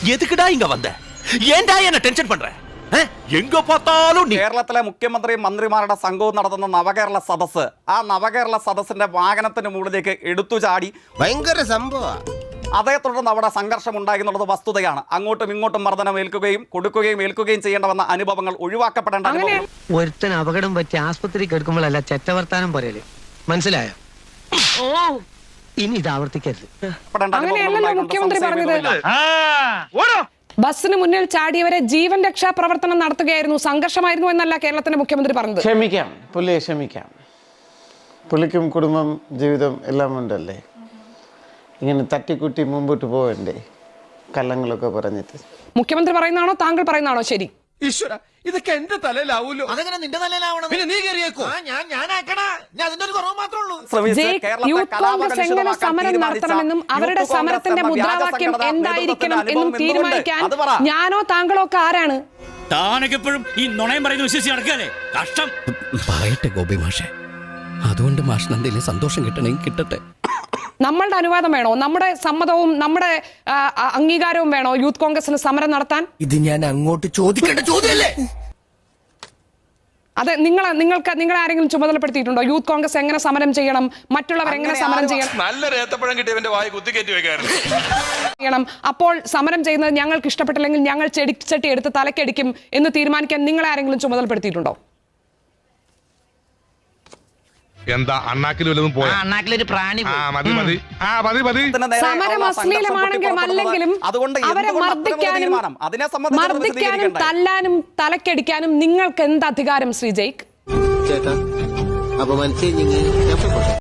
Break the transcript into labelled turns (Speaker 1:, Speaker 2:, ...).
Speaker 1: எதுக்குடா இங்க வந்த? ஏன்டா என்ன டென்ஷன் பண்ற? എങ്ക പാത്താലും
Speaker 2: കേരളത്തിലെ മുഖ്യമന്ത്രിയും മന്ത്രിമാരുടെ സംഘവും നടത്തുന്ന നവകേരള സദസ്സ്, ആ നവകേരള സദസ്സിന്റെ വാഹനത്തിന് മുകളിലേക്ക് എടുത്തു ചാടി
Speaker 3: ഭയങ്കര സംഭവം.
Speaker 2: അതേ തുടർന്ന് അവിടെ സംഘർഷം ഉണ്ടായി എന്നുള്ളത് വസ്തുതയാണ്. അങ്ങോട്ടും ഇങ്ങോട്ടും മർദ്ദനം ഏൽക്കുകയും ഏൽക്കുകയും ചെയ്യേണ്ട വന്ന അനുഭവങ്ങൾ ഒഴിവാക്കപ്പെടേണ്ട അനുഭവങ്ങൾ.
Speaker 4: ഒരുത്തൻ അപകടം പറ്റി ആസ്പത്രിക്ക് എടുക്കുമ്പോഴല്ല ചെറ്റവർത്താനം പറയല്, മനസ്സിലായോ? ഇനി ഇത് ആവർത്തിക്കരുത്.
Speaker 5: അങ്ങനെയല്ലല്ലോ മുഖ്യമന്ത്രി പറഞ്ഞത്. ബസ്സിന് മുന്നിൽ ചാടിയവരെ ജീവൻ രക്ഷാ പ്രവർത്തനം നടത്തുകയായിരുന്നു, സംഘർഷമായിരുന്നു എന്നല്ല കേരളത്തിന്റെ മുഖ്യമന്ത്രി പറഞ്ഞത്.
Speaker 6: ക്ഷമിക്കാം, പുള്ളിയെ ക്ഷമിക്കാം. പുള്ളിക്കും കുടുംബം ജീവിതം എല്ലാം ഉണ്ടല്ലേ. ഇങ്ങനെ തട്ടിക്കുട്ടി മുമ്പോട്ട് പോവണ്ടേ കള്ളങ്ങളൊക്കെ പറഞ്ഞിട്ട്?
Speaker 5: മുഖ്യമന്ത്രി പറയുന്നതാണോ താങ്കൾ പറയുന്നതാണോ ശരി?
Speaker 3: ഈശ്വര, ഇതൊക്കെ എന്റെ തലയിലാവൂലോ? അതെങ്ങനെ നിന്റെ തലയിലാവണം? പിന്നെ നീ കയറിയേക്കോ? ഞാനാക്കണ, ഞാൻ അതിന്റെ ഒരു കുറവ് മാത്രമേ ഉള്ളൂ.
Speaker 5: യൂത്ത് കോൺഗ്രസ് എങ്ങനെ സമരം നടത്തണമെന്നും അവരുടെ സമരത്തിന്റെ മുദ്രാവാക്യം എന്തായിരിക്കണം എന്നും തീരുമാനിക്കാൻ ഞാനോ താങ്കളോ ഒക്കെ ആരാണ്?
Speaker 1: താനൊക്കെ എപ്പോഴും ഈ നുണയം പറയുന്ന വിശ്വസിച്ച് നടക്കാനേ കഷ്ടം.
Speaker 7: പറയട്ടെ ഗോപി മാഷെ, അതുകൊണ്ട് മാഷിന് എന്തെങ്കിലും സന്തോഷം കിട്ടണമെങ്കിൽ കിട്ടട്ടെ.
Speaker 5: നമ്മളുടെ അനുവാദം വേണോ, നമ്മുടെ സമ്മതവും നമ്മുടെ അംഗീകാരവും വേണോ യൂത്ത് കോൺഗ്രസിന് സമരം നടത്താൻ?
Speaker 7: ഇത് ഞാൻ അങ്ങോട്ട് ചോദിക്കേണ്ട ചോദ്യമല്ലേ?
Speaker 5: അതെ, നിങ്ങളെ ആരെങ്കിലും ചുമതലപ്പെടുത്തിയിട്ടുണ്ടോ യൂത്ത് കോൺഗ്രസ് എങ്ങനെ സമരം ചെയ്യണം, മറ്റുള്ളവർ എങ്ങനെ സമരം ചെയ്യണം?
Speaker 8: നല്ലൊരു ഏത്തപ്പഴം കിട്ടിയവന്റെ വായി കുത്തിക്കയറ്റി വെക്കാറുണ്ട്.
Speaker 5: അപ്പോൾ സമരം ചെയ്യുന്നത് ഞങ്ങൾക്ക് ഇഷ്ടപ്പെട്ടില്ലെങ്കിൽ ഞങ്ങൾ ചെടി എടുത്ത് തലക്കടിക്കും എന്ന് തീരുമാനിക്കാൻ നിങ്ങളെ ആരെങ്കിലും ചുമതലപ്പെടുത്തിയിട്ടുണ്ടോ?
Speaker 8: എന്താ അണ്ണാക്കിൽ വല്ലതും പോയാ?
Speaker 4: അണ്ണാക്കിലൊരു പ്രാണി
Speaker 5: സമരം അശ്ലീലമാണെങ്കിലും അല്ലെങ്കിലും അവരെ മർദ്ദിക്കാനും തല്ലാനും തലക്കടിക്കാനും നിങ്ങൾക്ക് എന്ത് അധികാരം ശ്രീ ജയ്ക്ക്?
Speaker 3: ചേട്ടാ, അപ്പൊ മനസ്സിൽ